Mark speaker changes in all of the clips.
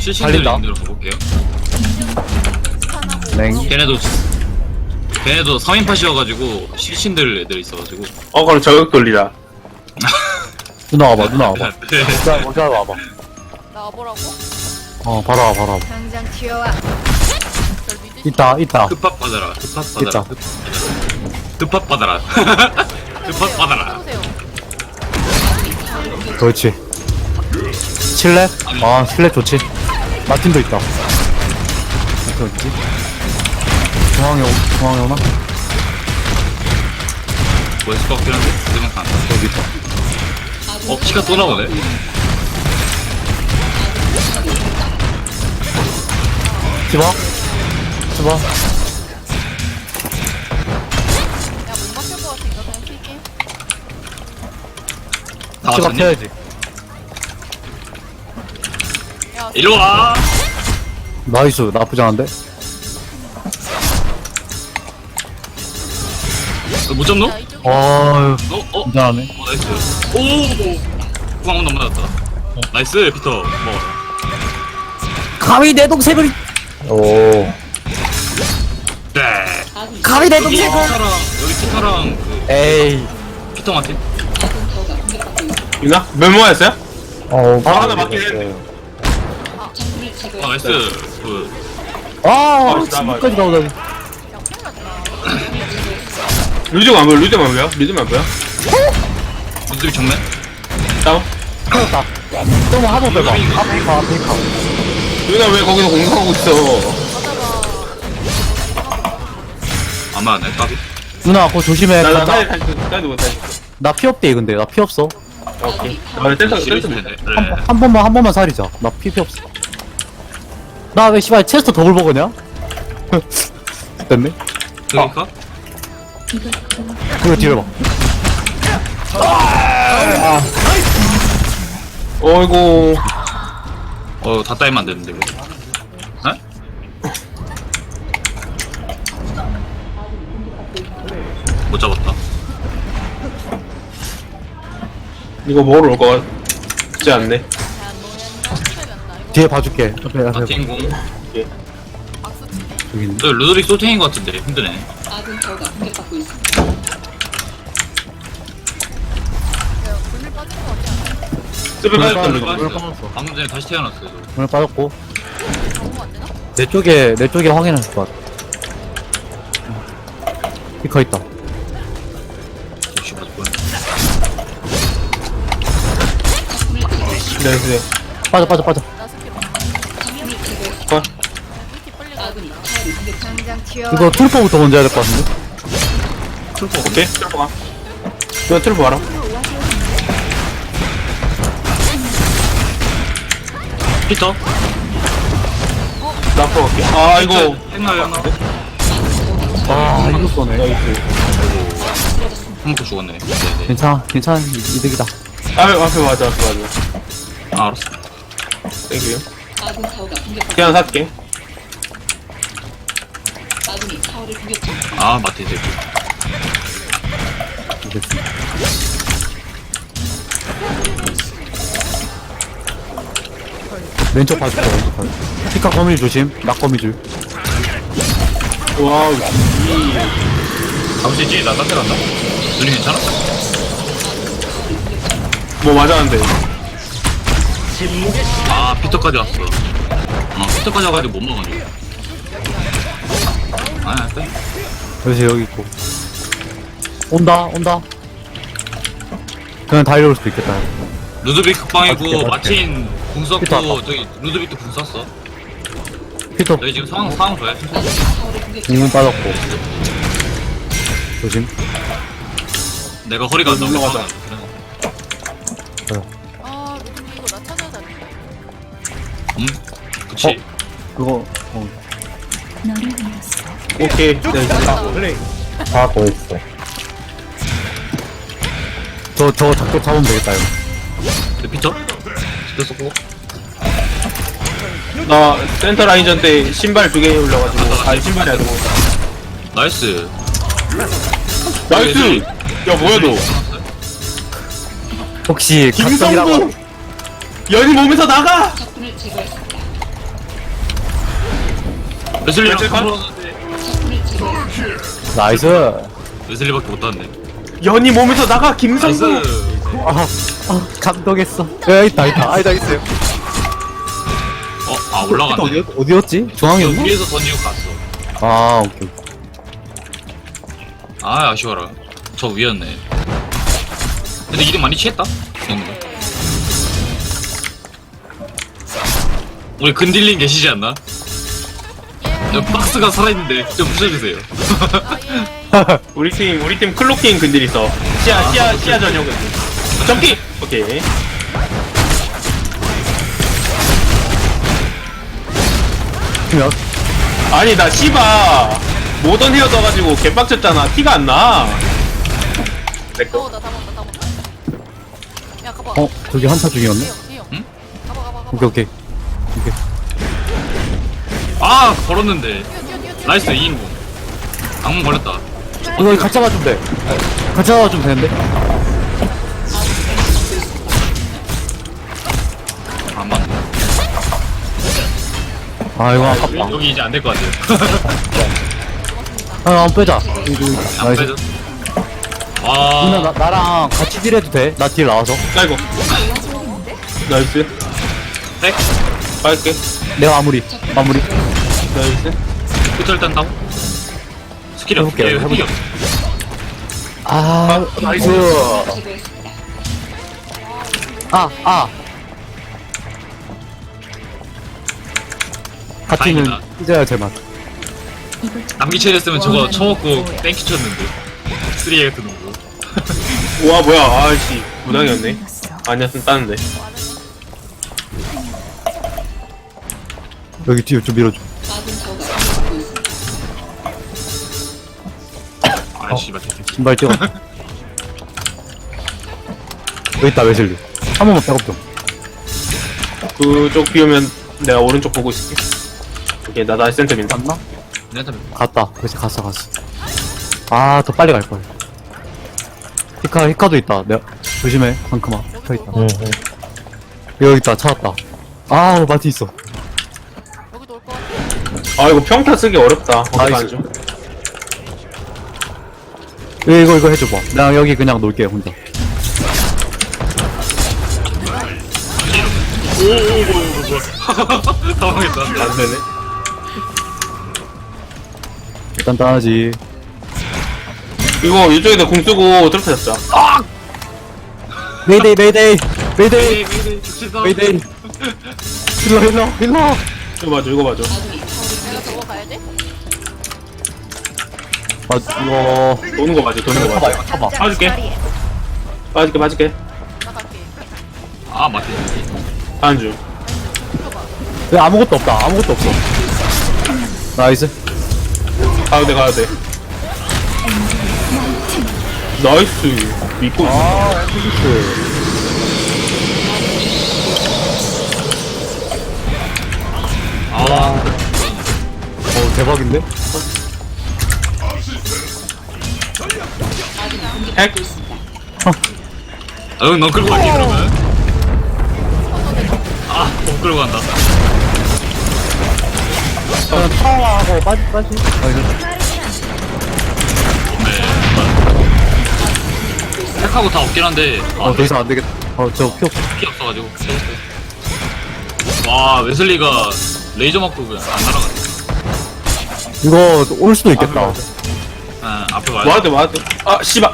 Speaker 1: 실신들
Speaker 2: 달린다.
Speaker 1: 있는 데로 가볼게요.
Speaker 2: 냉.
Speaker 1: 걔네도 3인팟이어가지고 실신들 애들 있어가지고.
Speaker 3: 그럼 저격 돌리라.
Speaker 2: 누나 와봐, 누나 와봐.
Speaker 1: 네.
Speaker 2: 자, 먼저 와봐.
Speaker 4: 나 와보라고?
Speaker 2: 바로 와, 바로 와.
Speaker 4: 당장 튀어와. 널 믿을
Speaker 2: 있다.
Speaker 1: 급합 받아라. 급합 받아라.
Speaker 2: 있다.
Speaker 1: 급합 받아라. 급합 받아라.
Speaker 4: 해보세요.
Speaker 2: 그렇지. 칠렙? 아, 칠렙 좋지. 마틴도 있다. 마틴 어디지? 중앙에 오나?
Speaker 1: 뭐 있을 것 같긴 한데? 생각한.
Speaker 2: 여기 있다.
Speaker 1: 키가 또 나오네.
Speaker 2: 집어?
Speaker 4: 야못 막힐 것 같으니까 그냥 킬게.
Speaker 1: 다
Speaker 2: 집어
Speaker 1: 왔었니?
Speaker 2: 켜야지.
Speaker 4: 야
Speaker 1: 일로 와!
Speaker 2: 나이스, 나쁘지 않은데?
Speaker 1: 못 잡노?
Speaker 4: 야 이쪽에
Speaker 2: 어휴,
Speaker 1: 괜찮네.
Speaker 2: 괜찮네.
Speaker 1: 나이스. 오! 구강 너무 맞았다. 나이스, 피터. 먹어라.
Speaker 2: 감히 내 동생을! 오.
Speaker 1: 네.
Speaker 2: 감히 내
Speaker 1: 여기
Speaker 2: 동생을!
Speaker 1: 피터랑
Speaker 2: 에이.
Speaker 1: 피터 마틴.
Speaker 3: 있나? 몇 모였어요? 하나 맞긴
Speaker 2: 했네.
Speaker 1: 나이스.
Speaker 2: 지금까지 나오다니.
Speaker 3: 루즈가 안 보여, 루즈가 안 보여? 루즈가 안 보여?
Speaker 1: 무드비 정면?
Speaker 3: 다운?
Speaker 2: 터졌다. 좀 한번 빼봐. 앞에 가.
Speaker 3: 누나 왜 거기서 공성하고 있어?
Speaker 1: 안 맞네, 까비.
Speaker 2: 누나, 그거 조심해.
Speaker 3: 나
Speaker 2: 간다.
Speaker 3: 사이드 못해.
Speaker 2: 나 피 없대, 근데. 나 피 없어.
Speaker 3: 오케이. 나 센터
Speaker 1: 싫으실
Speaker 3: 센터.
Speaker 1: 텐데.
Speaker 2: 한,
Speaker 1: 네.
Speaker 2: 한 번만 살이자. 나 피 없어. 나 왜 씨발 체스터 더블 먹었냐? 됐네.
Speaker 1: 그러니까?
Speaker 2: 그거 뒤로 봐.
Speaker 3: 어이구.
Speaker 1: 다 따이면 안 되는데, 이거. 네? 못 잡았다.
Speaker 3: 이거 먹으러 올 것 같지 않네.
Speaker 2: 뒤에 봐줄게. 앞에
Speaker 1: 마틴 공.
Speaker 4: 박수 치네.
Speaker 2: 여기 있네.
Speaker 1: 저 루드빅 소탱인 것 같은데, 힘드네.
Speaker 4: 야 불밀 빠진 것 같지 않아?
Speaker 3: 스페
Speaker 2: 빠졌다,
Speaker 3: 빠졌던
Speaker 2: 이거.
Speaker 3: 거.
Speaker 1: 빠졌어요. 방금 전에 다시 태어났어요, 저.
Speaker 2: 오늘 빠졌고.
Speaker 4: 방금 안 되나?
Speaker 2: 내 쪽에 확인할 것 같아. 피커 있다.
Speaker 1: 역시 맞을 뻔.
Speaker 3: 네.
Speaker 2: 빠져.
Speaker 4: 나 스킬 없어.
Speaker 3: 컷.
Speaker 4: 이렇게 빨리 가야 당장 튀어와.
Speaker 2: 이거 툴포부터 먼저 해야 될 것 같은데?
Speaker 3: 오케이. 트루프 가. 이거 트루프 와라.
Speaker 1: 피터?
Speaker 3: 나 앞으로 갈게. 아, 이거.
Speaker 1: 했나요, 하나?
Speaker 2: 아, 이거 쏘네.
Speaker 1: 한 먹고 죽었네. 네네.
Speaker 2: 괜찮아. 이득이다.
Speaker 3: 앞에 맞아.
Speaker 1: 아, 알았어.
Speaker 3: 땡큐. 그냥 살게.
Speaker 1: 아, 마틴 대표.
Speaker 2: 됐습니다. 왼쪽 봐줄게, 피카 거미줄 조심. 낙 거미줄.
Speaker 3: 와우.
Speaker 1: 잠시지, 나 딴데 간다. 눈이 괜찮아?
Speaker 3: 뭐 맞았는데.
Speaker 1: 아, 피터까지 왔어. 피터까지 와가지고 못 먹었네. 아, 빼.
Speaker 2: 그래서 여기 있고. 온다. 그냥 달려올 수도 있겠다.
Speaker 1: 루드빅 극방이고,
Speaker 2: 맞게.
Speaker 1: 마틴 궁 썼고,
Speaker 2: 피터 왔다.
Speaker 1: 저기, 루드빅도 궁 썼어.
Speaker 2: 피터
Speaker 1: 저희 지금 상황 좋아요.
Speaker 2: 공군 빠졌고. 조심.
Speaker 1: 내가 허리가 안 나오고
Speaker 3: 올라가자.
Speaker 4: 아 루틴 이거 나 찾아야 돼.
Speaker 1: 그치.
Speaker 2: 그거
Speaker 3: 오케이. 네.
Speaker 2: 다 보였어. 저 작도 잡으면 되겠다 이거.
Speaker 1: 근데 피터? 피터 썼고.
Speaker 3: 나 센터 라인전 때 신발 2개 올려가지고. 아니, 신발이 아니고.
Speaker 1: 나이스.
Speaker 3: 나이스! 야, 뭐야, 너.
Speaker 2: 혹시
Speaker 3: 김성구!
Speaker 2: 각성이라고
Speaker 3: 연이 몸에서 나가!
Speaker 1: 웨슬리랑
Speaker 3: 웨슬리 컷?
Speaker 2: 나이스.
Speaker 1: 웨슬리밖에 못 땄네.
Speaker 3: 연이 몸에서 나가
Speaker 1: 나이스.
Speaker 3: 김성수.
Speaker 2: 감동했어. 야, 있다, 있다. 아니다, 있어요.
Speaker 1: 올라갔네.
Speaker 2: 어디였지?
Speaker 1: 저
Speaker 2: 중앙이었나?
Speaker 1: 위에서 던지고 갔어.
Speaker 2: 아, 오케이.
Speaker 1: 아, 아쉬워라. 저 위였네. 근데 이름 많이 취했다? 이 정도면. 우리 근딜링 계시지 않나? 여기 박스가 살아있는데 좀 부셔주세요.
Speaker 4: 아, 예.
Speaker 3: 우리 팀 클로킹 근딜 있어. 시야 전용 근딜. 점기. 오케이.
Speaker 2: 몇?
Speaker 3: 아니 나 시바 모던 헤어 떠가지고 개빡쳤잖아. 티가 안 나. 내꺼.
Speaker 4: 다 먹었다. 야, 가봐.
Speaker 2: 어, 저기 한타 중이었네?
Speaker 4: 대형.
Speaker 1: 응?
Speaker 4: 가봐.
Speaker 2: 오케이, 오케이.
Speaker 1: 아, 걸었는데.
Speaker 4: 뛰어.
Speaker 1: 나이스, 2인공. 악몽 걸렸다.
Speaker 2: 이거 같이 잡아주면 돼. 같이 잡아주면 되는데?
Speaker 1: 안 맞네.
Speaker 2: 아, 이거 아깝다.
Speaker 1: 여기 이제 안 될 것 같아요.
Speaker 2: 한번 빼자.
Speaker 1: 안
Speaker 2: 나이스.
Speaker 1: 빼죠?
Speaker 2: 누나,
Speaker 1: 와,
Speaker 2: 나랑 같이 딜해도 돼? 나 딜 나와서.
Speaker 3: 아이고. 나이스.
Speaker 1: 백?
Speaker 3: 빨게.
Speaker 2: 내가 마무리.
Speaker 3: 나이스.
Speaker 1: 끝을 딴다고? 스킬이 없어.
Speaker 2: 해볼게요,
Speaker 1: 스킬이 없어.
Speaker 2: 아, 나이스. 파티는
Speaker 1: 다행이다.
Speaker 2: 찢어야 제맛.
Speaker 1: 남기체였으면 저거 쳐먹고 땡큐 쳤는데. 3A 같은 거.
Speaker 3: 와 뭐야. 아씨 무당이었네. 아니었으면 따는데.
Speaker 2: 여기 뒤에 좀 밀어줘.
Speaker 1: 아, 씨발.
Speaker 2: 신발 찍어. 여기 있다, 웨슬리. 한 번만 백업 좀.
Speaker 3: 그쪽 비오면 내가 오른쪽 보고 있을게. 오케이 나 다시 센터 민다.
Speaker 2: 갔나?
Speaker 1: 내가
Speaker 2: 갔다. 그렇지, 갔어. 아, 더 빨리 갈걸. 히카도 있다. 내가, 조심해, 상크마. 히카 있다. 여기 있다, 찾았다. 아, 마티 있어.
Speaker 4: 여기도 올것 같아.
Speaker 3: 아 이거 평타 쓰기 어렵다.
Speaker 2: 나이스.
Speaker 3: 어떡하죠?
Speaker 2: 이거 해줘봐. 나 여기 그냥 놀게, 혼자.
Speaker 1: 당황했다.
Speaker 3: 안 되네.
Speaker 2: 일단 따야지.
Speaker 3: 이거 이쪽에다 공 쓰고 트로트 잡자.
Speaker 2: 메이데이.
Speaker 1: 메이데이, 죽시다.
Speaker 2: 힐러.
Speaker 3: 이거 봐줘.
Speaker 4: 내가 저거 가야 돼?
Speaker 2: 아, 이거.
Speaker 3: 도는 거 봐줘.
Speaker 2: 쳐봐, 이거 쳐봐.
Speaker 3: 빠질게. 빠질게.
Speaker 4: 나 갈게.
Speaker 1: 아, 맞지.
Speaker 3: 다음 주.
Speaker 2: 왜 아무것도 없다. 아무것도 없어. 나이스.
Speaker 3: 가야 돼. 나이스. 믿고 있어.
Speaker 2: 엠피스.
Speaker 1: 아,
Speaker 2: 대박인데?
Speaker 3: 핵.
Speaker 1: 아, 넌 끌고 갈게, 그러면. 아, 못 끌고 간다.
Speaker 2: 그냥 타워하고 빠지.
Speaker 1: 택하고 다 없긴 한데. 아,
Speaker 2: 더 이상 안 되겠다. 저 피 없어.
Speaker 1: 피 없어가지고. 와, 웨슬리가 레이저 맞고 그냥 안 날아가네.
Speaker 2: 이거 올 수도 있겠다.
Speaker 1: 아, 앞에 와야 돼.
Speaker 3: 와야 돼. 아 씨발.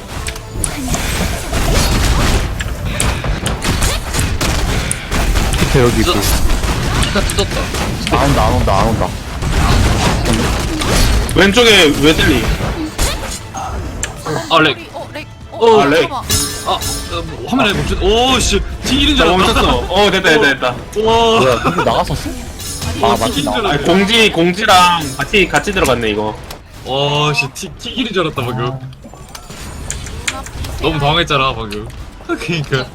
Speaker 2: 밑에 여기 있고.
Speaker 1: 피가 뜯었다.
Speaker 2: 안 온다.
Speaker 3: 왼쪽에 웨슬리.
Speaker 1: 아, 렉.
Speaker 4: 렉.
Speaker 3: 아, 렉.
Speaker 4: 잠깐만.
Speaker 1: 아, 화면에 멈춘. 오, 씨. 튀기는 줄
Speaker 3: 나
Speaker 1: 알았다.
Speaker 3: 멈췄어. 됐다.
Speaker 1: 와.
Speaker 2: 뭐야, 여기 나갔었어? 아, 맞지,
Speaker 1: 튀기는 줄
Speaker 2: 나.
Speaker 3: 아
Speaker 1: 알았다.
Speaker 3: 공지랑 같이 들어갔네 이거.
Speaker 1: 와, 씨. 튀기는 줄 알았다, 방금. 너무 당황했잖아, 방금. 그니까.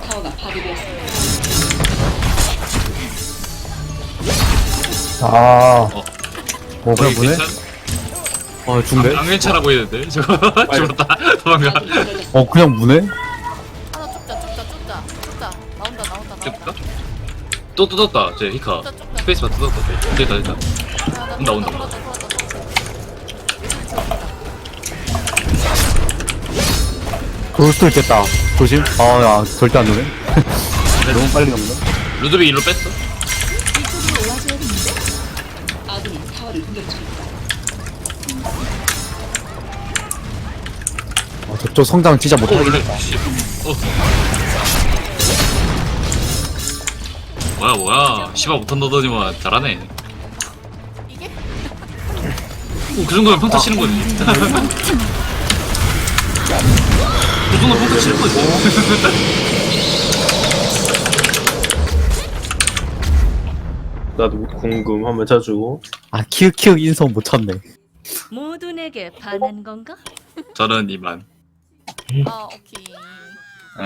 Speaker 2: 아.
Speaker 1: 어.
Speaker 2: 그냥
Speaker 1: 거의
Speaker 2: 보네?
Speaker 1: 괜찮?
Speaker 2: 중대?
Speaker 1: 강괜찮아 보이는데? 저거 죽었다. 도망가.
Speaker 2: 그냥 무네?
Speaker 4: 하나 쫓자. 나온다.
Speaker 1: 뜯다? 또 뜯었다, 제 히카.
Speaker 4: 쫓자.
Speaker 1: 스페이스바 뜯었다. 됐다.
Speaker 4: 야, 나
Speaker 1: 온다, 온다.
Speaker 4: 풀었다.
Speaker 2: 그럴 수도 있겠다. 조심. 아, 야, 절대 안 오네. 너무 빨리 넘네.
Speaker 1: 루드빅 일로 뺐어.
Speaker 2: 저쪽 성장 진짜
Speaker 1: 오,
Speaker 2: 못하겠다.
Speaker 1: 원래 씨. 뭐야. 시바 못한다더니만 잘하네.
Speaker 4: 이게?
Speaker 1: 그 정도면 평타 치는 거지. 그 정도면 평타 치는 거지.
Speaker 3: 나도 궁금 한번 쳐주고.
Speaker 2: 아, 키읔 인성 못 찾네.
Speaker 5: 모두 내게 반한 건가?
Speaker 1: 저는 이만.
Speaker 4: 아, 오케이.